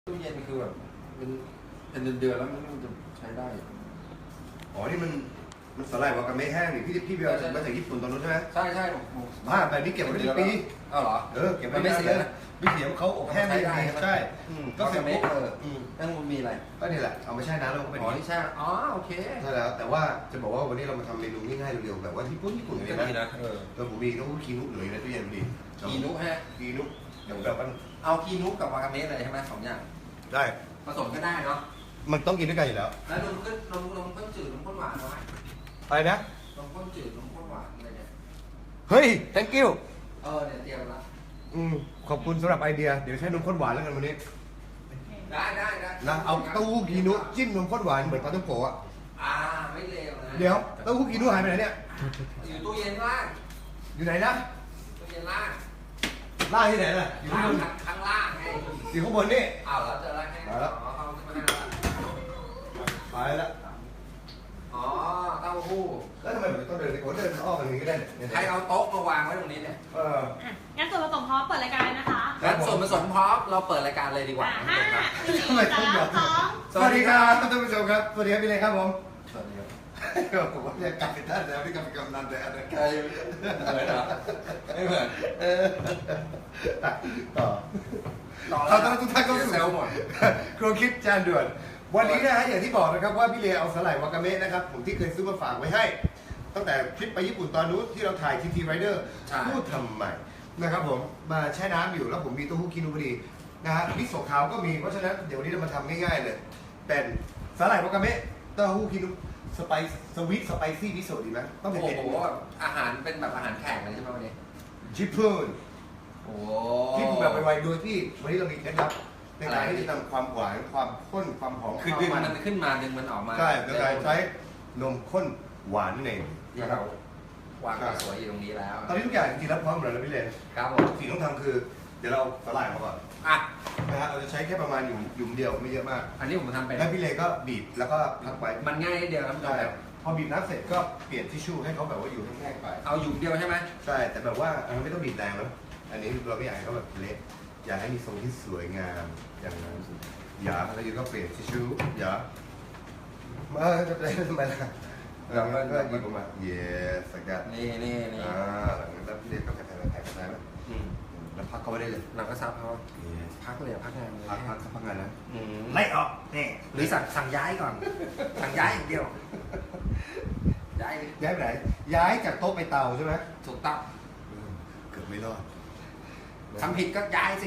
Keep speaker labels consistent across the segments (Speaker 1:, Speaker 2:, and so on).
Speaker 1: ตู้เย็นคือแบบเป็นเดือนแล้วมันจะใช้ได้
Speaker 2: อ๋อนี่มันสลายวากาเมะแห้งนี่พี่เบลมาจากญี่ปุ่นตอนนู้นใช่ไหม
Speaker 1: ใช่
Speaker 2: บ้าแบบนี้เก็บไว้ได้ปี
Speaker 1: อ้าวเหรอ
Speaker 2: เก็บไว้ไม่เสียไม่เสียเขาอบแห้งได้ดีใช่
Speaker 1: ก็เสร็จปุ๊บนั่นมันมีอะไร
Speaker 2: ก็นี่แหละเอามาแช่น้ำแล้วก็เป็น
Speaker 1: อ๋อที่แช่อ๋อโอเค
Speaker 2: ใช่แล้วแต่ว่าจะบอกว่าวันนี้เรามาทำเมนูง่ายๆเร็วๆแบบว่าที่ญี่ปุ่นเลยนะผมมีต้องคีนุเหลือในตู้เย็นพอดี
Speaker 1: คีนุฮะ
Speaker 2: คีนุอย่างแบบว่า
Speaker 1: เอาคีนุกับวากาเมะเลยใช่ไหมสองอย่าง
Speaker 2: ได้
Speaker 1: ผสมก็ได้เนาะ
Speaker 2: มันต้องกินด้วยกันอยู่แล้ว
Speaker 1: แล้วนมข้นจืดนมข้นหวานเอาไหม
Speaker 2: อะไรนะ
Speaker 1: นมข้นจืดนมข้นหวานอะไรเนี่ย
Speaker 2: เฮ้ย thank you
Speaker 1: เนี่ยเตรียมละ
Speaker 2: ขอบคุณสำหรับไอเดียเดี๋ยวใช้นมข้นหวานแล้วกันวันนี้
Speaker 1: ได้
Speaker 2: นะเอาเต้าหู้คีนุจิ้มนมข้นหวานเหมือนปลาท่องโกะ
Speaker 1: ไม่เลวนะ
Speaker 2: เดี๋ยวเต้าหู้คีนุหายไปไหนเนี่ย
Speaker 1: อยู่ตู้เย็นล่าง
Speaker 2: อยู่ไหนนะ
Speaker 1: ตู้เย็นล่าง
Speaker 2: ที่ไหนน่ะอยู่ข้างบน
Speaker 1: ข้างล่างไง
Speaker 2: อยู่ข้างบนนี่
Speaker 1: แล้วเจอแล้ว
Speaker 2: มาแล้วไปแล้ว
Speaker 1: อ๋อเต้าหู้
Speaker 2: แล้วทำไมผมต้องเดินผมเดินอ้อมอย่างนี้ก็ได้
Speaker 1: ใครเอาโต๊ะมาวางไว้ตรงนี้เนี่ย
Speaker 3: งั้นส่วนผสมพร้อมเปิดรายการเลยนะคะ
Speaker 1: งั้นส่วนผสมพร้อมเราเปิดรายการเลยดีกว่า
Speaker 2: ทำไมต้องหยอดสวัสดีครับท่านผู้ชมครับสวัสดีครับพี่เล็กครับผม
Speaker 1: สวัสดีครับ
Speaker 2: ผมว่าเนี่ยกลับไปท่านแล้วพี่กลับไปกำนันแต่อะไร
Speaker 1: ใครเหมือนเหรอไม่เหมือน
Speaker 2: ต่อขอต้อนรับทุกท่านเข้าสู่ครัวคิดจานด่วนวันนี้นะฮะอย่างที่บอกนะครับว่าพี่เลเอาสไลด์วากาเมะนะครับผมที่เคยซื้อมาฝากไว้ให้ตั้งแต่ทริปไปญี่ปุ่นตอนนู้นที่เราถ่ายทีทีไรเดอร์พูดทำไมนะครับผมมาแช่น้ำอยู่แล้วผมมีเต้าหู้คินุพอดีนะฮะมิโซะขาวก็มีเพราะฉะนั้นเดี๋ยววันนี้เรามาทำง่ายๆเลยเป็นสไลด์วากาเมะเต้าหู้คินุสไปซี่มิโซะดีไหมต้องเป็น
Speaker 1: โอ้โหอาหารเป็นแบบอาหารแขกเลยใช่ไหมวันนี้
Speaker 2: ชิปเพิร์น
Speaker 1: โอ้
Speaker 2: ที่ผมแบบไวๆโดยที่วันนี้เรามีเคล็ดลับในการที่จะทำความหวานความข้นความหอม
Speaker 1: คือดึงมันขึ้นมาดึงมันออกมา
Speaker 2: ใช่โดยการใช้นมข้นหวานนั่นเอง
Speaker 1: ที่เราวางสวยอยู่ตรงนี้แล้ว
Speaker 2: ตอนนี้ทุกอย่างจริงๆแล้วพร้อมหมดแล้วพี่เลน
Speaker 1: ครับผม
Speaker 2: สิ่งที่ต้องทำคือเดี๋ยวเราสลายมาก่อนนะฮะเราจะใช้แค่ประมาณหยุ่มเดียวไม่เยอะมาก
Speaker 1: อันนี้ผมทำไป
Speaker 2: แล้วพี่เลนก็บีบแล้วก็พักไว้
Speaker 1: มันง่ายนิดเดียวครับ
Speaker 2: ใช่พอบีบน้ำเสร็จก็เปลี่ยนทิชชู่ให้เขาแบบว่าอยู่แห้งๆไป
Speaker 1: เอาหยุ่มเดียวใช่ไหม
Speaker 2: ใช่แต่แบบว่าอันนั้นไม่ต้องบีบแรงนะอันนี้เราไม่อยากให้เขาแบบเละอยากให้มีทรงที่สวยงามอย่างนั้นอย่าแล้วอยู่ก็เปลี่ยนทิชชู่อย่าจะได้ทำไมล่ะเราก็หยิบออกมาเยสกัด
Speaker 1: นี่
Speaker 2: หลังจากนั้นพี่เล็กก็แผ่ไหมแล้วพักเขาไว้ได้เลย
Speaker 1: เราก็ซับเขาพักเลยพักงานเลย
Speaker 2: พักงานนะไล่ออกนี่
Speaker 1: หรือสั่งย้ายก่อนสั่งย้ายอย่างเดียวย้าย
Speaker 2: ไปไหนย้ายจากโต๊ะไปเตาใช่ไหม
Speaker 1: ถูกต้อง
Speaker 2: เกือบไม่รอด
Speaker 1: ทำผิดก็ย้ายสิ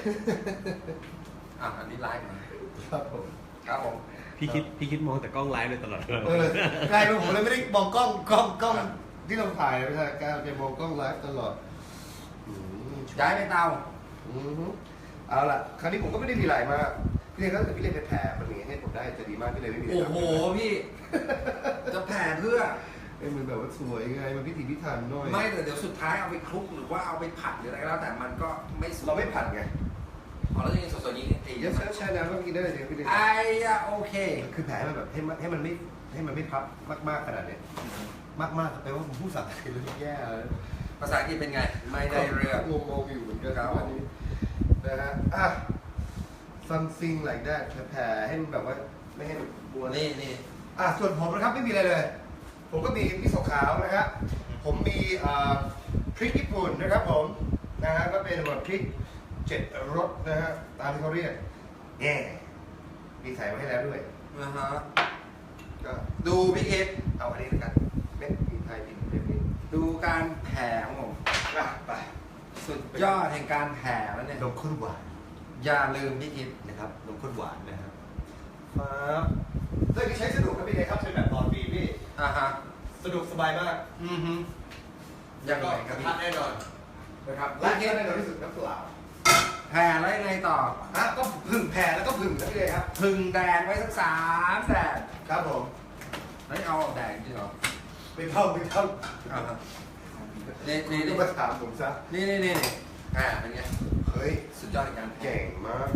Speaker 1: อันนี้ไลฟ์มา
Speaker 2: ครับผม
Speaker 4: พี่คิดมองแต่กล้องไลฟ์เลยตลอด
Speaker 2: ใช่ผมเลยไม่ได้มองกล้องที่เราถ่ายไม่ใช่การจะมองกล้องไลฟ์ตลอด
Speaker 1: ย้ายไปเตา
Speaker 2: เอาล่ะคราวนี้ผมก็ไม่ได้มีอะไรมาพี่เลยก็พี่เลยไปแผ่มันอย่างนี้ให้ผมได้จะดีมากพี่เลยไม่มี
Speaker 1: โอ้โหพี่จะแผ่เพื่อ
Speaker 2: มันแบบว่าสวยไงมันพิถีพิถันหน่อย
Speaker 1: ไม่แต่เดี๋ยวสุดท้ายเอาไปคลุกหรือว่าเอาไปผัดหรืออะไรก็แล้วแต่มันก็ไม่
Speaker 2: เราไม่ผัดไง
Speaker 1: เราจะกินสดๆนี้
Speaker 2: เยอะใช่น้ำก็กินได้เลยพี่เลย
Speaker 1: โอเค
Speaker 2: คือแผ่มันแบบให้มันไม่พับมากขนาดนี้มากแปลว่าผมพูดสับสนแล้วแย่
Speaker 1: ภาษาอังกฤษเป็นไงไม่ได้เรื่อง
Speaker 2: งงอยู่เหมือนกันครับวันนี้นะฮะsomething like that แผ่ให้มันแบบว่าไม่ให้บัว
Speaker 1: นี่
Speaker 2: ส่วนผมนะครับไม่มีอะไรเลยผมก็มีมิโซะขาวนะครับผมมีพริกญี่ปุ่นนะครับผมนะฮะก็เป็นแบบพริก7 รสนะฮะตามที่เขาเรียกมีใส่มาให้แล้วด้วย
Speaker 1: ก็ดูพี่เอฟ
Speaker 2: เอาอันนี้แล้วกันเม็ดพริกไทยพริกเม็ดนี้
Speaker 1: ดูการแผ่ของผม
Speaker 2: ไป
Speaker 1: สุดยอดแห่งการแผ่แล้วเนี่ย
Speaker 2: นมข้นหวาน
Speaker 1: อย่าลืมพี่คิด
Speaker 2: นะครับนมข้นหวานนะครับเรื่องที่ใช้สะดวกครับพี่เอครับใช้แบบตอนบีพี่สะดวกสบายมาก
Speaker 1: ยังไง
Speaker 2: กระทะแน่นอนนะครับและแน่นอนที่สุดน้ำเปล่า
Speaker 1: แผ่แล้วยังไงต่อ
Speaker 2: ก็พึ่งแผ่แล้วก็พึ่งนะพี่เลยครับ
Speaker 1: พึ่งแดดไว้สัก3 แดด
Speaker 2: ครับผม
Speaker 1: ไม่เอาแดดจริงเหรอ
Speaker 2: ไม่เท่า
Speaker 1: นี่
Speaker 2: มาถามผมซะ
Speaker 1: นี่เป็นไง
Speaker 2: เฮ้ย
Speaker 1: สุดยอดในการ
Speaker 2: เก่งมาก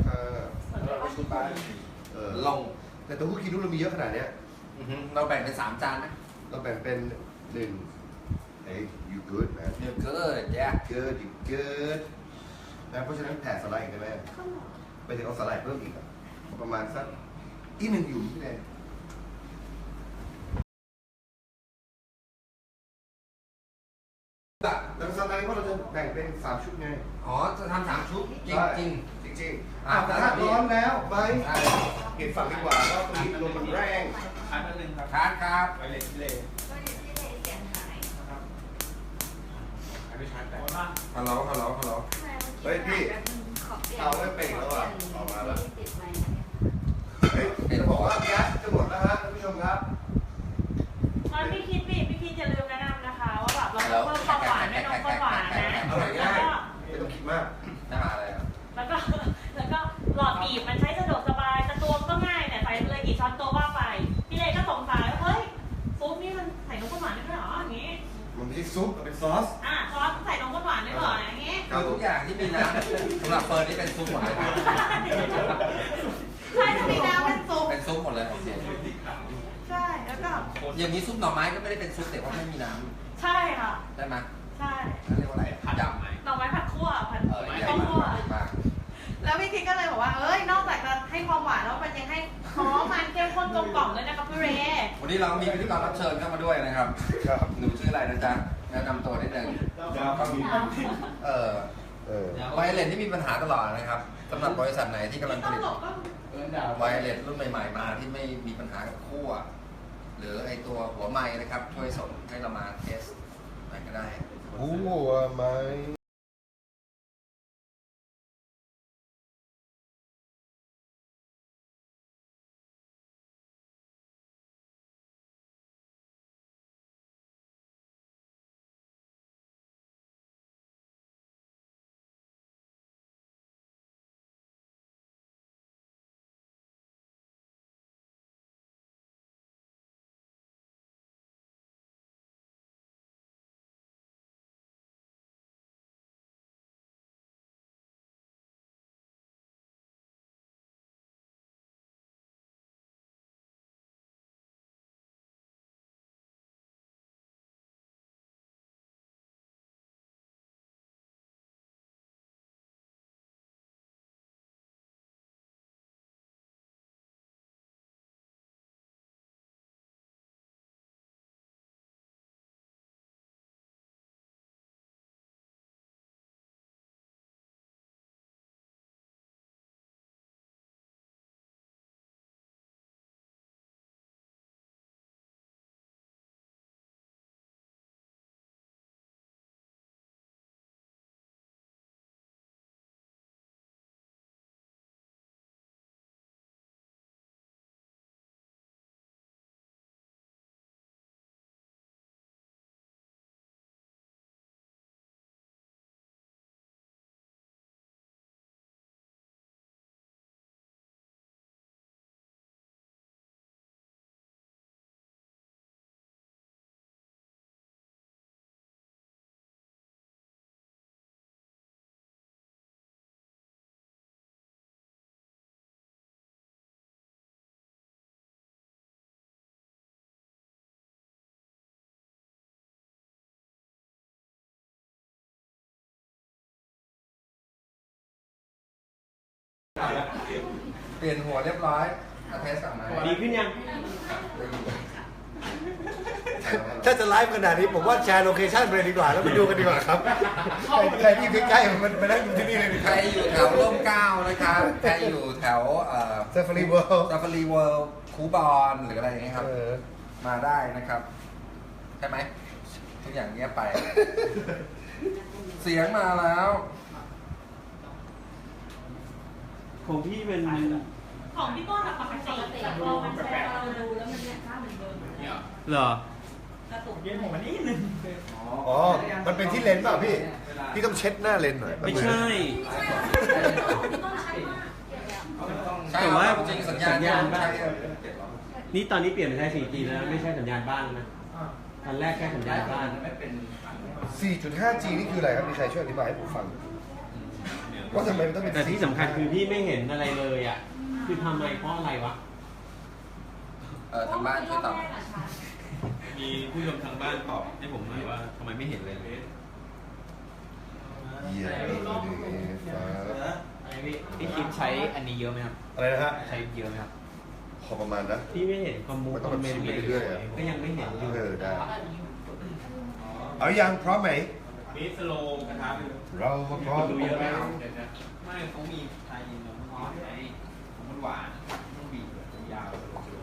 Speaker 1: ลง
Speaker 2: แต่ตัวผู้คิดดูเรามีเยอะขนาดเนี้ย
Speaker 1: เราแบ่งเป็น3 จานนะ
Speaker 2: เราแบ่งเป็น1 Hey you good man
Speaker 1: you good yeah
Speaker 2: good you good นะเพราะฉะนั้นแผ่สไลด์ได้ไหมไปถึงเอาสาหร่ายเพิ่มอีกอะประมาณสักอีก1อยู่พี่แดนแล้วสไลด์ว่าเราจะแบ่งเป็น3 ชุดไง
Speaker 1: อ๋อจะทำ3 ชุดจริงจริง
Speaker 2: จริงกระทะร้อนแล้วไปเห็นฝั่งดีกว่าว่าตรงนี้ลมมันแรง
Speaker 5: อันนึงครับ
Speaker 1: ทานครับ
Speaker 5: ไปเลยเลยนะครับอันนี้ชาร์จแบต
Speaker 1: ฮัลโหล
Speaker 2: เฮ้ยพี่เอาไม่เป่งแล้วอ่ะออกมาแล้วเฮ้ยจะบอกว่าแก๊สจะหมดแล้วฮะท่านผู้ชมครับ
Speaker 3: ตอนพี่คิดอย่าลืมแนะนำนะคะว่าแบบเราเพิ่มความหวานให้น้องข้นหวานนะ
Speaker 2: อร่อยง่ายไม่ต้องคิดมาก
Speaker 1: น้ำอะไรครับ
Speaker 3: แล้วก็หลอดบีบมันใช้สะดวกสบายแต่ตวงก็ง่ายเนี่ยใส่เลยกี่ช้อนโต๊ะว่าไปพี่เลยก็สงสัยว่าเฮ้ยซุปนี่มันใส่นมข้นหวานได้ด้วยเหรออย่างงี้
Speaker 2: มันไม่ใช่ซุปมันเป็นซอส
Speaker 3: ซอสใส่นมข้นหวานได้เหรออย่างงี้
Speaker 1: คือทุกอย่างที่มีน้ำสำหรับเฟิร์นนี่เป็นซุปหมดเลยครับ
Speaker 3: ใช่ถ้ามีน้ำเป็นซุป
Speaker 1: เป็นซุปหมดเลยโอเค
Speaker 3: ใช่แล้วก็
Speaker 1: อย่างนี้ซุปหน่อไม้ก็ไม่ได้เป็นซุปแต่ว่าไม่มีน้
Speaker 3: ใช่ค่ะ
Speaker 1: ำได้ไหม
Speaker 3: ใช่
Speaker 1: เรียกว่าอะไรยำไหม
Speaker 3: หน่อไม้ผัดคั่วผัด
Speaker 1: ใหญ่
Speaker 3: ข้าวคั่ว
Speaker 1: มาก
Speaker 3: แล้วพี่คิดก็เลยบอกว่า เอ้ย นอกจากจะให้ความหวานแล้วมันยังให้หอมมันเข้มข้นกลมกล่อมด้วยนะครับพี่เร
Speaker 1: วันนี้เรามีพิธีกรรับเชิญเข้ามาด้วยนะครับ
Speaker 2: ครับ
Speaker 1: หนูชื่ออะไรนะจ๊ะแนะนำตัวนิดนึงไวเลสที่มีปัญหาตลอดนะครับสำหรับบริษัทไหนที่กำลังผลิตไวเลสรุ่นใหม่ๆมาที่ไม่มีปัญหากับขั้วหรือไอตัวหัวไม้นะครับ ช่วยส่งให้เรามาเทสอะไรก็ได้
Speaker 2: หัวไหม
Speaker 1: เปลี่ยนหัวเรียบร้อยมาเทสกลับมา
Speaker 4: ดีขึ้นยัง
Speaker 2: ถ้าจะไลฟ์ขนาดนี้ผมว่าแชร์โลเคชั่นไปเลยดีกว่าแล้วไปดูกันดีกว่าครับใครที่ใกล้ๆมันมานั่งดูที่นี่เลยดีก
Speaker 1: ใคร
Speaker 2: ว่า
Speaker 1: อยู่แถวร่มเกล้านะครับใครอยู่แถว
Speaker 2: Safari World
Speaker 1: ซาฟารีเวิลด์คูบอนหรืออะไรอย่างเงี้ยครับ มาได้นะครับ ใช่ไหมทุกอย่างเงียบไป เสียงมาแล้ว
Speaker 4: ของพี่เป็น
Speaker 3: ของพี่ต้นอะปกติแต่พอมันแชร์เราดูแล้วมันเนี่ยค่าเหมือนเดิม
Speaker 5: เนี่ย
Speaker 4: เหรอ
Speaker 3: กระตุก
Speaker 5: เย็นผมวันนี้นึง
Speaker 2: อ๋อ มันเป็นที่เลนส์เปล่าพี่ พี่ต้องเช็ดหน้าเลนส์หน่อย
Speaker 4: ไม่ใช่
Speaker 1: ใช่
Speaker 4: แต่ว่า
Speaker 1: จริงๆสัญญาณบ้าน
Speaker 4: นี่ตอนนี้เปลี่ยนเป็นใช้ 4G แล้วนะไม่ใช่สัญญาณบ้านนะตอนแรกแค่สัญญาณบ้าน
Speaker 2: 4.5G นี่คืออะไรครับมีใครช่วยอธิบายให้ผมฟังว่าทำไมมันต้องเป็น
Speaker 4: แต่ที่สำคัญคือพี่ไม่เห็นอะไรเลยอ่ะ คือทำไมเพราะอะไรวะ
Speaker 1: ทางบ้านช่วยตอบ
Speaker 6: มีผู้ชมทางบ้านตอบให้ผมหน่อยว่าทำไมไม่เห็นเลย
Speaker 2: เยี่ยมเลยฟ้า
Speaker 7: พี่คิมใช้อันนี้เยอะไหมครับ
Speaker 2: อะไรนะฮะ
Speaker 7: ใช้เยอะไหมครับ
Speaker 2: พอประมาณนะ
Speaker 4: พี่ไม่เห็นคอมเมนต์
Speaker 2: ไปเรื่อยๆอะ
Speaker 4: ก็ยังไม่เห็นอยู่
Speaker 2: ได้เอายังพร้อมไหม
Speaker 6: มีสโลกระทะไปเลย
Speaker 2: เรามาพร้อม
Speaker 4: ดูเยอะไหม
Speaker 7: ไม่เขามีไทยอินแล้วอ๋อไอ้ของมันหวานต้องบีบแบบยาว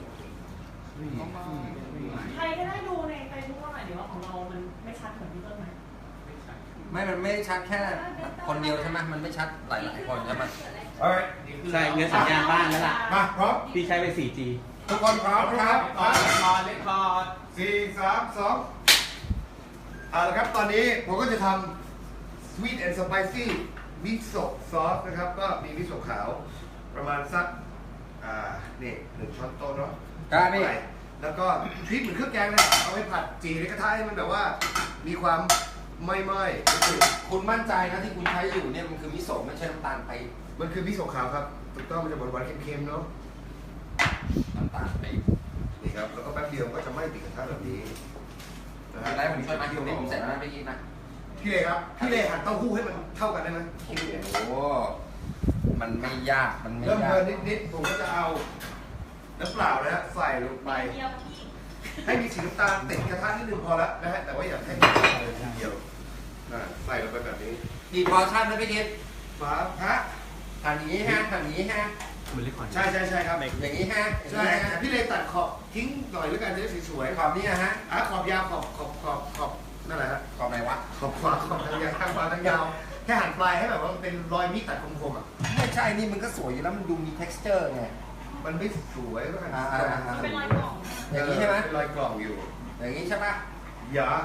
Speaker 3: ใครก็ได้ดูในเฟซบุ๊กหน่อยเดี๋ยวว่าของเรามันไม่ชัดเหมือนพี่ต้นไหม
Speaker 1: ไม่มันไม่ชัดแค่คนเดียวใช่ไหมมันไม่ชัดหลายๆคนใช่ไหม
Speaker 2: alright
Speaker 4: ใช่เงินสัญญาณบ้านแล้วล่ะ
Speaker 2: มาพร้อม
Speaker 4: พี่ใช้ไป 4G
Speaker 2: ทุกคนพร้อมนะครับ
Speaker 7: คอร์ดเลคคอร์ด
Speaker 2: 4 3 2เอาละครับตอนนี้ผมก็จะทำ sweet and spicy มิโซะซอสนะครับ ก็มีมิโซะขาวประมาณสักนี่1 ช้อนโต๊ะเนาะ
Speaker 1: ครับพี่
Speaker 2: แล้วก็พริกเหมือนเครื่องแกงเลยเอาไปผัดจีในกระทะให้มันแบบว่ามีความไหม้
Speaker 1: คุณมั่นใจนะที่คุณใช้อยู่เนี่ยมันคือมิโซะไม่ใช่น้ำตาลไป
Speaker 2: ๆมันคือมิโซะขาวครับถูกต้องมันจะหวานๆเค็มๆเนาะ
Speaker 1: น้ำตาลไป
Speaker 2: นี่ครับแล้วก็แป๊บเดียวก็จะไหม้ติดกระทะแบบนี้นะค
Speaker 1: อะ
Speaker 2: รับ
Speaker 1: ไรผมช่วยมาที่ตรงนี้ผมเสร็จแล้วนะพี่กิ๊กนะ
Speaker 2: พี่เลครับพี่เลหั่นเต้าหู้ให้มันเท่ากันได้ไหม
Speaker 1: โอ้โหมันไม่ยากมันไม่
Speaker 2: เริ่ม
Speaker 1: ยา
Speaker 2: เบิ
Speaker 1: ก
Speaker 2: ร์นนิดๆผมก็จะเอาน้ำเปล่านะฮะใส่ลงไป
Speaker 3: เดียวพี่
Speaker 2: ให้มีสีน้ำตาลติดกระทะนิดนึงพอแล้วนะฮะแต่ว่าอย่าให้มันเลยทีเดียวใส่ลงไปแบบนี้
Speaker 1: กี่พอชั่นนะพี่กิ๊ก
Speaker 2: ฟ้าฮะ
Speaker 1: หั่นอย่างนี้ฮะหั่นอย่างนี้ฮะ
Speaker 7: มันเลคคอร์ด
Speaker 2: ใช่ครับ
Speaker 1: อย่างนี้ฮะ
Speaker 2: ใช่ฮะพี่เลตัดขอบทิ้งหน่อยแล้วกันจะได้สวย
Speaker 1: ขอบนี้นะฮะ
Speaker 2: ขอบยาวขอบนั่นแหละฮะ
Speaker 1: ขอบไหนวะ
Speaker 2: ขอบทางยาวทางยาวแค่หั่นปลายให้แบบว่ามันเป็นรอยมีดตัดคมๆอ่ะ
Speaker 1: ไม่ใช่นี่มันก็สวยอยู่แล้วมันดูมี texture ไง
Speaker 2: มันไม่สวยก็หั่น
Speaker 3: มันเป็นรอยกล่อง
Speaker 1: อย่างนี้ใช่ไหม
Speaker 2: เป็นรอยกล่องอยู่
Speaker 1: อย่างนี้ใช่ปะ
Speaker 2: อย่า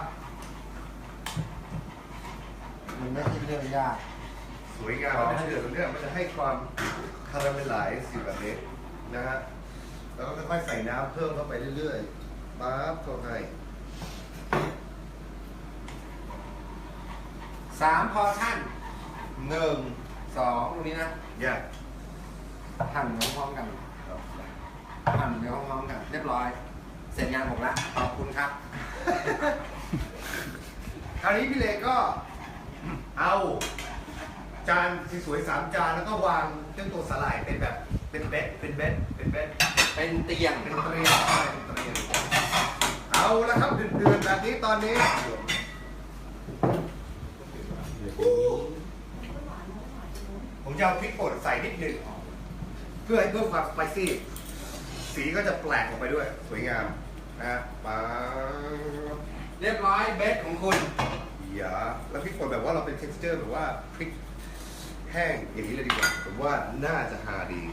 Speaker 1: มันไม่ใช่เรื่องยาก
Speaker 2: สวยงามมันจะเดือดตรงเนี้ยมันจะให้ความคาราเมลไลซ์อยู่แบบนี้นะฮะแล้วก็ค่อยๆใส่น้ำเพิ่มเข้าไปเรื่อยๆปั๊บเข้าให้
Speaker 1: 3 พอชั่น 1 2ตรงนี้นะ
Speaker 2: อย่า
Speaker 1: หั่นไปพร้อมๆกันหั่นไปพร้อมๆกัน เรียบร้อย เสร็จงานผมละขอบคุณครับ
Speaker 2: คราวนี้พี่เลก็เอาจานสวยๆ3 จานแล้วก็วางเจ้าตัวสลายเป็นแบบเป็นเบ็ด
Speaker 1: เป็นเตียง
Speaker 2: เป็นเตรียมใช่เป็นเตรียมเอาละครับเดือนๆแบบนี้ตอนนี้ ผมจะเอาพริกป่นใส่นิดหนึ่งเพื่อให้เพิ่มความสไปซี่สีก็จะแปลกออกไปด้วย สวยงามนะฮะป๊าบ
Speaker 1: เรียบร้อยเบสของคุณ
Speaker 2: อย่าแล้วพริกป่นแบบว่าเราเป็น texture แบบว่าพริกแห้งอย่างนี้เลยดีกว่าผมว่าน่าจะหาดี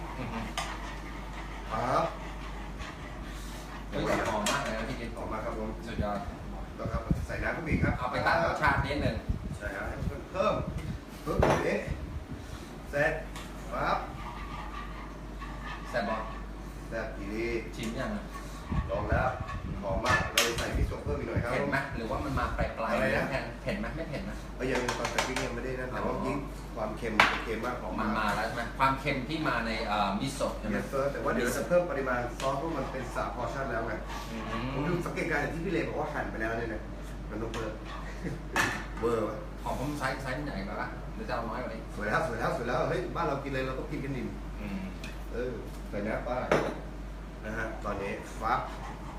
Speaker 2: ปั๊บ
Speaker 1: ก็หอมมากเลยนะพี่กิ๊ก
Speaker 2: ออกมาครับผม
Speaker 1: สุดยอด
Speaker 2: แล้วครับใส่น้ำเข้าไปอีกครับ
Speaker 1: เอาไปตัดรสชาตินิดนึง
Speaker 2: ใช่ครับเพิ่มแบบนี้เสร็จปั๊บ
Speaker 1: แซ่บบอก
Speaker 2: แซ่บทีนี้
Speaker 1: ชิมยังอะ
Speaker 2: ลองแล้วหอมมากเราใส่มิโซะเพิ่มอีกหน่อยครับ
Speaker 1: เผ็ดไหมหรือว่ามันมาปลายๆ
Speaker 2: อะไรนะ
Speaker 1: เผ็ดไหมไม่เผ็ดนะ
Speaker 2: ยังตอนใส่พริกยังไม่ได้นะแต่ว่ายิ่งความเค็มมากหอม
Speaker 1: มัน
Speaker 2: มาก
Speaker 1: มาแล้วใช่ไหมความเค็มที่มาในมิโซะใช่ไหม
Speaker 2: เยสเซอร์แต่ว่าเดี๋ยวเราจะเพิ่มปริมาณซอสเพราะมันเป็น3 พอร์ชั่นแล้วไง
Speaker 1: อื
Speaker 2: ผมดูสังเกตการณ์อย่างที่พี่เลบอกว่าหั่นไปแล้วเนี่ยนะมันต้องเพิ่มเวอร์วะ
Speaker 1: ของผมไซส์ใหญ่กว่าปะหรือจะเอาน้อยกว่านี้
Speaker 2: สวยแล้วเฮ้ยบ้านเรากินเลยเราต้องกินกันนิ่มใส่น้ำป้านะฮะตอนนี้ฟับ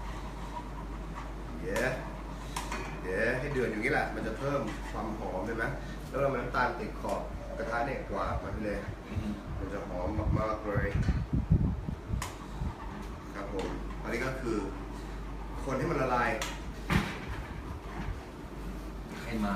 Speaker 2: เดี๋ยวให้เดือดอย่างนี้แหละมันจะเพิ่มความหอมใช่ไหมแล้วเราน้ำตาลติดขอบกระทะเนี่ยกวาดมาพี่เลมันจะหอมมากๆเลยครับผมอันนี้ก็คือคนให้มันละลาย
Speaker 1: ให้มา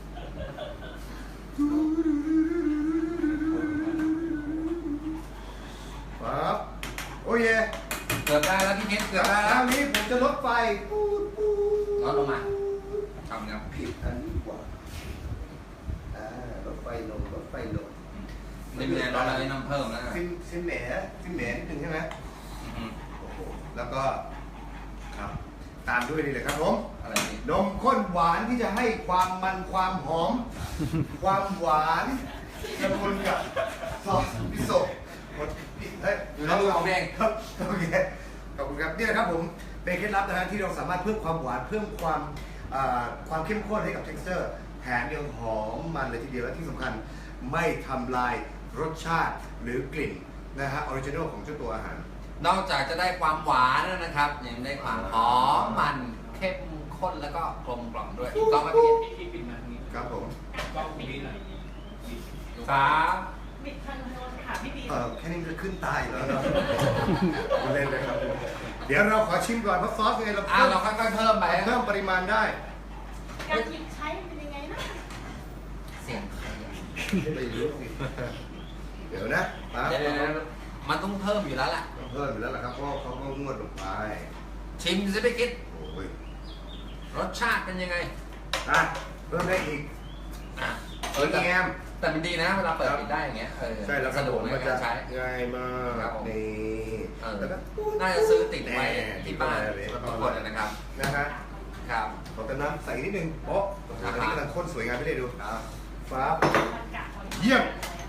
Speaker 2: ปั๊บโอ้ย
Speaker 1: เกือบได้แล้วพี่กิ๊กเกือบได้
Speaker 2: ค
Speaker 1: แล้
Speaker 2: ราว วนี้ผมจะลดไฟปูด
Speaker 1: ลดลงมาทำแล้ว
Speaker 2: ผิดอันนี้กว่าลดไฟลง
Speaker 1: นี่เป็นเราเลยน้ำเพิ่มแล้วนะ
Speaker 2: ซิมแหนนิดนึงใช่ไหมโอ้โหแล้วก็ครับตามด้วยนี่เลยครับผม
Speaker 1: อะไรนี่
Speaker 2: นมข้นหวานที่จะให้ความมันความหอม ความหวานละมุนกับซอสมิโซะเฮ้ย
Speaker 1: อยู่ในมือของเอง
Speaker 2: ครับโอเคขอบคุณครับนี่นะครับผมเป็นเคล็ดลับนะฮะที่เราสามารถเพิ่มความหวานเพิ่มความเข้มข้นให้กับ texture แถมยังหอมมันเลยทีเดียวและที่สำคัญไม่ทำลายรสชาติหรือกลิ่นนะฮะออริจินอลของเจ้าตัวอาหาร
Speaker 1: นอกจากจะได้ความหวานแล้วนะครับยังได้ความหอมมันเข้มข้นแล้วก็กลมกล่อมด้วยถูกต้องไหมพี่
Speaker 6: ที่ปิดมาทางนี้
Speaker 2: ครับผม
Speaker 6: กล้องนี้หน่อย
Speaker 1: สาม
Speaker 3: บิดทางโน้นค่ะพี่บี
Speaker 2: แค่นี้จะขึ้นตายแล้วเนาะเล่นเลยครับเดี๋ยวเราขอชิมก่อนเพราะซอสไงเรา
Speaker 1: เราค่อยๆเพิ่มไป
Speaker 2: เพิ่มปริมาณได้
Speaker 3: การหยิบใช้เป็นยังไงนะ
Speaker 1: เสียงใครอะ
Speaker 2: ไม่รู้สิเดี๋ยวนะปั๊บ
Speaker 1: เดี๋ยวมันต้องเพิ่มอยู่แล้วแหละ
Speaker 2: เพิ่มอยู่แล้วล่ะครับเพราะเขาก็งวดลงไป
Speaker 1: ชิมสิพี่คิด
Speaker 2: โอ้ย
Speaker 1: รสชาติเป็นยังไง
Speaker 2: อ่ะเพิ่มได้อีก
Speaker 1: อ่ะ
Speaker 2: แต่แงม
Speaker 1: แต่มันดีนะเวลาเปิดปิดได้อย่างเงี้ย
Speaker 2: ใช่แล้วครั
Speaker 1: สะ
Speaker 2: บ
Speaker 1: ด
Speaker 2: ผ
Speaker 1: วก
Speaker 2: ม
Speaker 1: ใน
Speaker 2: มัน
Speaker 1: กา
Speaker 2: จะ
Speaker 1: รใช้
Speaker 2: ง่ายมาก
Speaker 1: ครับผม
Speaker 2: นี่ แล้วก็
Speaker 1: น่าจะซื้อติดไว้ที่บ้านทุกคนนะครับ
Speaker 2: นะฮะ
Speaker 1: ครับ
Speaker 2: ขอเติมน้ำใส่นิดนึงโป๊ะอันนี้กำลังข้นสวยงามไม่ได้ดูฟ้าเยี่ยม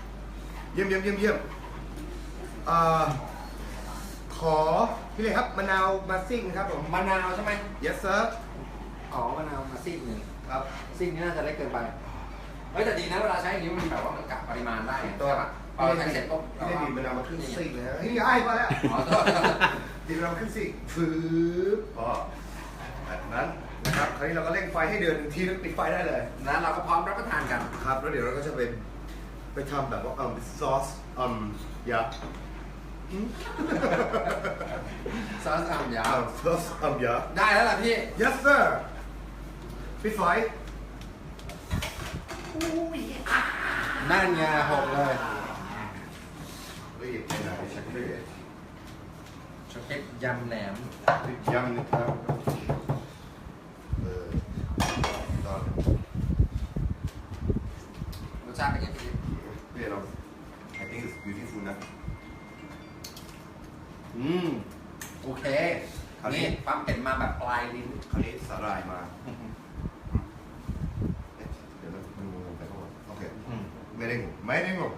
Speaker 2: ขอพี่เลยครับมะนาวมาซิ่งครับผม
Speaker 1: มะนาวใช่ไหม
Speaker 2: yes sir
Speaker 1: อ๋อมะนาวมาซีกหนึ่ง
Speaker 2: ครับ
Speaker 1: ซีกนี้น่าจะเล็กเกินไปเฮ้ยแต่ดีนะเวลาใช้อย่างนี้มันแบบว่ามันกะปริมาณได้
Speaker 2: ตัว
Speaker 1: ใช่ปะพอเราใช้เสร็จปุ๊บ
Speaker 2: พี่ได้บีบมะนาวมาครึ่งซิ่งเลยฮะเฮ้ยไอ้มาแล้ว
Speaker 1: อ๋อโทษ
Speaker 2: บีบมะนาวครึ่งซิ่งฟืบพอแบบนั้นนะครับคราวนี้เราก็เร่งไฟให้เดือดหนึ่งทีแล้วปิดไฟได้เลย
Speaker 1: แล้วเราก็พร้อมรับประทานกัน
Speaker 2: ครับแล้วเดี๋ยวเราก็จะไปทำแบบว่าซอสยา
Speaker 1: ซอสอ่ำยาว
Speaker 2: ซอสยา
Speaker 1: ได้แล้วล่ะพี่
Speaker 2: yes sir ปิดไฟ
Speaker 1: นั่นไงหกเลย
Speaker 2: รีบไปไหนชักรีบ
Speaker 1: ช็อกโกแลตยำแหนม
Speaker 2: ยำนะครับตอน
Speaker 1: รสชาติเป็นยังไงพี่
Speaker 2: นี่เรา I think it's beautiful นะ
Speaker 1: โอเค
Speaker 2: คราวนี้
Speaker 1: นี่ปั๊มเป็นมาแบบปลายลิ้น
Speaker 2: คราวนี้สาหร่ายมาเดี๋ยวนะมันงงไปก่อนโอเคไม่ได้งง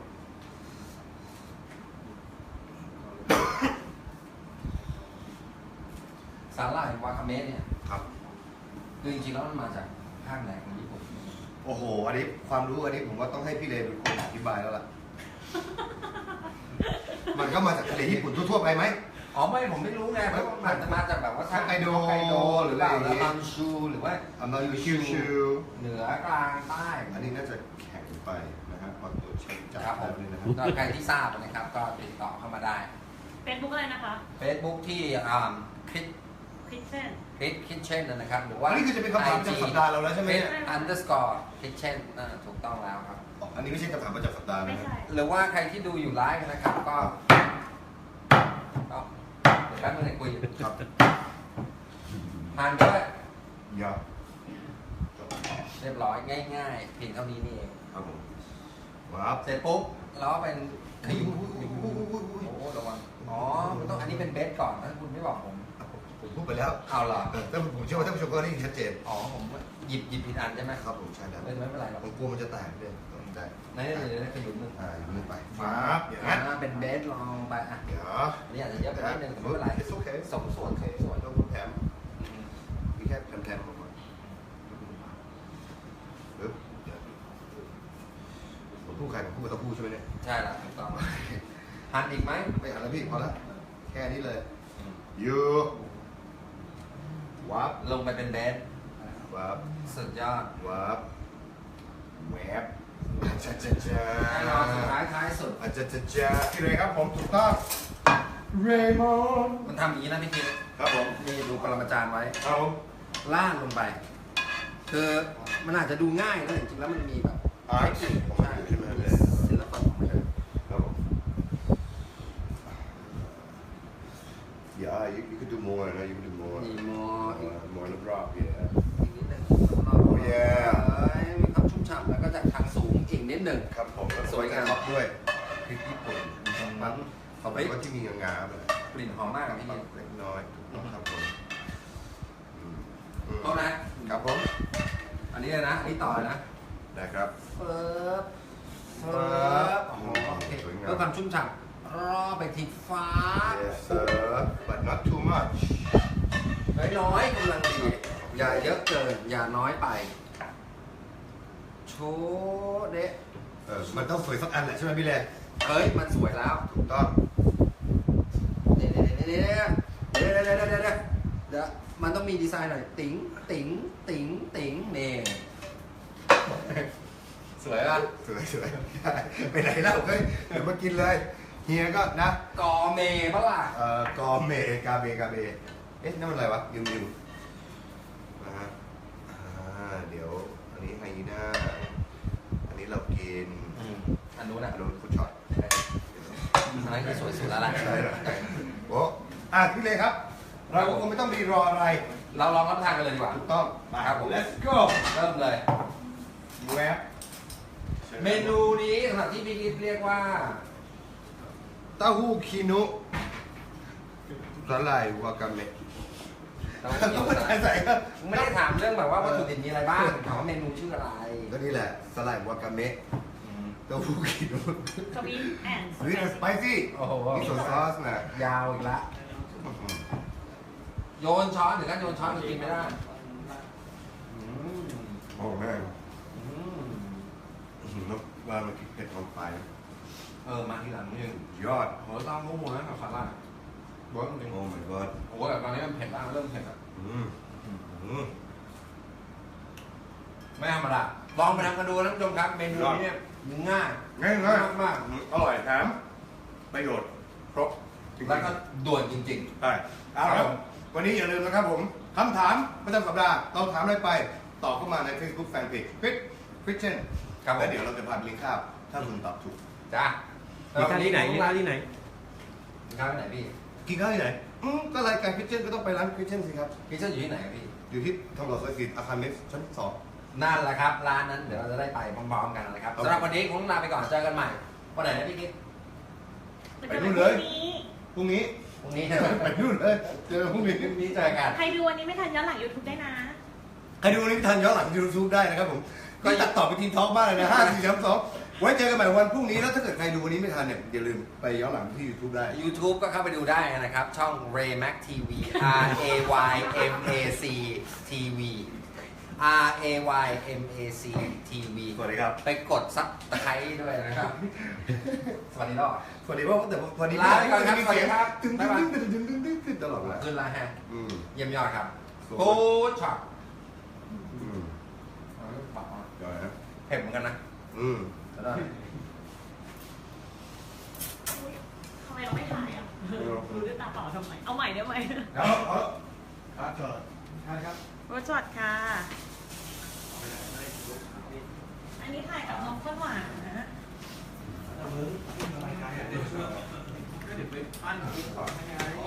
Speaker 1: สาหร่ายวาคาเมะเนี่ย
Speaker 2: ครับ
Speaker 1: คือจริงๆแล้วมันมาจากภาคไหนของญี่ปุ่น
Speaker 2: โอ้โหอันนี้ความรู้อันนี้ผมว่าต้องให้พี่เลเป็นคนอธิบายแล้วล่ะ มันก็มาจากทะเลญี่ปุ่นทั่วๆไปไหม
Speaker 1: อ๋อไม่ผมไม่รู้ไงเพราะว่ามันมาจากแบบว่า
Speaker 2: ฮอกไกโด
Speaker 1: หรือเปล่า
Speaker 2: หรืออะไรอย่างงี้
Speaker 1: แล้วมังชูหรือว่า
Speaker 2: อันนั้นอยู่ชิว
Speaker 1: เหนือกลางใต้
Speaker 2: ๆอันนี้น่าจะแข็งไปนะฮะพอตัวเช็คจับ
Speaker 1: ครับผม
Speaker 2: เลยนะครับ
Speaker 1: ก็ใครที่ทราบนะครับก็ติดต่อเข้ามาได้
Speaker 3: เป็นบุ๊กอะไรนะคะ
Speaker 1: Facebook ที่คิด
Speaker 3: คิทเช่น
Speaker 1: คิดเช่นนะครับหรือว่า
Speaker 2: อันนี้คือจะเป็นคำถามประจำสัปดาห์เราแล้วใช่ไหมเนี่ย
Speaker 1: underscore คิดเช่นถูกต้องแล้วครับ
Speaker 2: อันนี้ไม่ใช่คำถามประจำสัปดาห์
Speaker 3: ไม่
Speaker 2: นะค
Speaker 3: ใช่
Speaker 2: รับ
Speaker 1: หรือว่าใครที่ดูอยู่ไลฟ์นะครับก็เดี๋ยวแป๊บนึงให้คุย
Speaker 2: ครับ
Speaker 1: ผ่านด้วย
Speaker 2: ยอด
Speaker 1: เรียบร้อยง่ายๆเพียงเท่านี้นี่เอง
Speaker 2: ครับผมว้าว
Speaker 1: เสร็จปุ๊บเราก็เป็นขยุ้มโอ้โหระวังอ๋อมันต้องอันนี้เป็นเบสก่อนนะคุณไม่บอกผม
Speaker 2: ผมพูดไปแล้ว
Speaker 1: เอาเหรอ
Speaker 2: แต่ผมเชื่อว่าท่านผู้ชมก็ได้ยินชัดเจน
Speaker 1: อ๋อผมหยิบผิดอันใช่ไหม
Speaker 2: ครับผมใช่แล้ว
Speaker 1: ไม่เป็นไรหรอก
Speaker 2: ผมกลัวมันจะแตกเลยต้องได้
Speaker 1: นั่นเดี๋ยวขยุ้มหนึ่ง
Speaker 2: อยู่นี่ไปครับอย่างนั้น
Speaker 1: เป็นเบสลองไปอ่ะ
Speaker 2: เดี๋ยว
Speaker 1: อันนี้อาจจะเยอะไปนิดนึงแต่ไม่เป็นไร
Speaker 2: โอเค
Speaker 1: สมส่วน
Speaker 2: โอเค
Speaker 1: สมส่วน
Speaker 2: ต้องพูดแถมมีแค่แถมๆมาผมพูดใครผมพูดกับเต้าหู้ใช่ไหมเนี่ย
Speaker 1: ใช่แล้วถูกต้องหั่นอีกไหม
Speaker 2: ไม่เอาแล้วพี่พอแล้วแค่นี้เลยยูวับ
Speaker 1: ลงไปเป็นเบส
Speaker 2: วับ
Speaker 1: สุดยอด
Speaker 2: วับแวบจ้าจ้าจ้า
Speaker 1: แน่นอนสุดท้ายสุด
Speaker 2: อาจจะจ้าพี่เลยครับผมถูกต้องเรมอน
Speaker 1: มันทำอย่างนี้นะพี่คิด
Speaker 2: ครับผม
Speaker 1: นี่ดูปรมาจารย์ไว้
Speaker 2: ครับผม
Speaker 1: ล่างลงไป คือมันอาจจะดูง่ายนะจริงๆแล้วมันมีแบบ
Speaker 2: อาร์ต
Speaker 1: เทคนิค
Speaker 2: ผม
Speaker 1: ใช่
Speaker 2: ใช่ไหมเลย
Speaker 1: ศิลปะของมัน
Speaker 2: ครับผม Yeah, you could do more, no? You could do more.
Speaker 1: มีมออีก
Speaker 2: More in the drop, yeah.
Speaker 1: นิดหนึ่ง
Speaker 2: Oh, yeah.
Speaker 1: มีความชุ่มฉ่ำแล้วก็จากทางสูงอีกนิดหนึ่ง
Speaker 2: ครับผมแล้ว
Speaker 1: สวยงาม
Speaker 2: ท็อปด้วยพริกญี่ปุ่นตรงนั้นเขาบอกว่าที่มีงาๆเลย
Speaker 1: กลิ่นหอมมากอะพี่
Speaker 2: เล็กน้อยถูกต้องครับผมอืม
Speaker 1: โทษนะครับ
Speaker 2: ผม
Speaker 1: อันนี้เลยนะอันนี้ต่อนะ
Speaker 2: ได้ครับ
Speaker 1: เฟิบโอ้โหโอเค
Speaker 2: สวยงาม
Speaker 1: เพื่อความชุ่มฉ่ำรอไปทีฟ้า
Speaker 2: Yes sir but not too much
Speaker 1: น้อยๆกำลังดีอย่าเยอะเกินอย่าน้อยไปโชว์เดะ
Speaker 2: มันต้องสวยสักอันแหละใช่ไหมพี่เล่
Speaker 1: เฮ้ยมันสวยแล้ว
Speaker 2: ถูกต้อง
Speaker 1: เดี๋ยวมันต้องมีดีไซน์หน่อยติ๋งติ๋งติ๋งติ๋งเน่สวยป่ะ
Speaker 2: สวยสวยไปไหนแล้วเฮ้ยเดี๋ยวมากินเลยเฮียก็นะ
Speaker 1: กอเมปะล่ะ
Speaker 2: กอเมกาเบเอ๊ะนั่นมันอะไรวะยืมนะฮะเดี๋ยวอันนี้ไฮยีน่าอันนี้เรากิน
Speaker 1: อันนู้นนะ
Speaker 2: โดนฟุตช็อต
Speaker 1: อันนั้นคือสวยสุดแล้วล่ะ
Speaker 2: ใช่แล้วโอ้พี่เลยครับ เราก็คงไม่ต้องรีรออะไร
Speaker 1: เราลองรับประทานกันเลยดีกว่า
Speaker 2: ถูกต้อง
Speaker 1: ครับผม
Speaker 2: let's go
Speaker 1: เริ่มเลย
Speaker 2: แวบ
Speaker 1: เมนูนี้สำหรับที่พี่กิ๊ฟเรียกว่า
Speaker 2: เต้าหู้คีนุสาหร่ายวากาเมะ
Speaker 1: เราไม่
Speaker 2: ใส่ครับ
Speaker 1: ไม่ได้ถามเรื่องแบบว่าวัตถุดิบมีอะไรบ้างถามว่าเมนูชื่ออะไร
Speaker 2: ก็นี่แหละสาหร่ายวากาเมะเต้าหู้คีนุ
Speaker 3: สวีทแอนด์
Speaker 2: สวีทสไปซี่
Speaker 1: โอ้โห
Speaker 2: มีส่วนซอสนะ
Speaker 1: ยาวอีกละโยนช้อนถึงขั้นโยนช้อนมันกินไม่ได้
Speaker 2: โอ้แม่ง
Speaker 1: อืม
Speaker 2: แล้วว่ามันเผ็ดของไฟ
Speaker 1: มาทีหลังนี่
Speaker 2: ยอด
Speaker 1: โหต้องรู้หมดนะกับสาหร่ายบอกจริง
Speaker 2: โอ้ my god
Speaker 1: โอ้แต่ตอนนี้มันเผ็ดมากเริ่มเผ็ดอ่ะ ไม่ธรรมดาลองไปทำกันดูนะท่านผู้ชมครับเมนูนี้เนี่ยง่าย
Speaker 2: ง่ายมาก
Speaker 1: ๆ
Speaker 2: อร่อยแถมประโยชน์ครบ
Speaker 1: แล้วก็ด่วนจริง
Speaker 2: ใช่เอาละครับวันนี้อย่าลืมนะครับผมคำถามประจำสัปดาห์เราถามอะไรไปตอบเข้ามาใน Facebook Fanpage Christian
Speaker 1: ครับผม
Speaker 2: แล้วเดี๋ยวเราจะพาไปเลี้ยงข้าวถ้าคุณตอบถูก
Speaker 1: ๆจ้า
Speaker 4: มีข้าวที่ไหนมีข้าวที่ไหน
Speaker 1: ข้าวที่ไหนพี่
Speaker 2: กินข้าวที่ไหนก็รายการ Christian ก็ต้องไปร้าน Christian สิครับ
Speaker 1: พี่เจ้าอยู่ที่ไหนพี่
Speaker 2: อยู่ที่ทองหล่อซอย4อาคารเล็กชั้น2
Speaker 1: นั่นแหละครับร้านนั้นเดี๋ยวเราจะได้ไปพร้อมๆกันนะครับ
Speaker 2: ครับ
Speaker 1: สำหรับวันนี้คงลาไปก่อนเจอกันใหม่วันไหนนะพี่กิ๊ฟ
Speaker 2: ไปนู่นเลย พรุ่งนี้
Speaker 1: พรุ่งนี้
Speaker 2: ไปนู่นเลยเจอพรุ่งนี้
Speaker 1: พรุ่งนี้เจอกัน
Speaker 3: ใครดูวันนี้ไม่ทันย้อนหลัง YouTube ได้นะ
Speaker 2: ใครดูวันนี้ทันย้อนหลังยูทูบได้นะครับผมก็ตัดต่อไปทีมทอล์กบ้างเลยนะ5 4 3 2ไว้เจอกันใหม่วันพรุ่งนี้แล้วถ้าเกิดใครดูวันนี้ไม่ทันเนี่ยอย่าลืมไปย้อนหลังที่ YouTube ได้
Speaker 1: YouTube ก็เข้าไปดูได้นะครับ ช่อง Raymac TV RAYMAC TV RAYMAC TV
Speaker 2: สวัสดีครับ
Speaker 1: ไปกดซับสไครต์ด้วยนะครับ สวัสดีรอบ
Speaker 2: สวัสดีพ่อแต่วันนี้
Speaker 1: ลาไปก่อนครับ
Speaker 2: มีเสียง
Speaker 1: สวัสดีครับ
Speaker 2: ตึ้ง
Speaker 1: บ๊ายบาย
Speaker 2: ตึ้งตลอดเวลา
Speaker 1: ขึ้นแล้วฮะ
Speaker 2: อืม
Speaker 1: เยี่ยมยอดครับ
Speaker 2: สวย
Speaker 1: ฟูดช็อต
Speaker 2: อืมเดี๋ยวนะ
Speaker 1: เผ็ดเหมือนกันนะ
Speaker 2: อืม
Speaker 1: แล้วก็
Speaker 3: ทำไมเราไม่ถ่ายอ่ะดูด้วยตาเปล่าทำไม เอาใหม่ได้ไหม
Speaker 2: เอาจอดใช่ครับ
Speaker 3: รสช็อตค่ะ อันนี้ถ่ายกับน้องข้นหวานนะ
Speaker 6: ก็เดี๋ยวไปปั้นกินก่อนให้ไง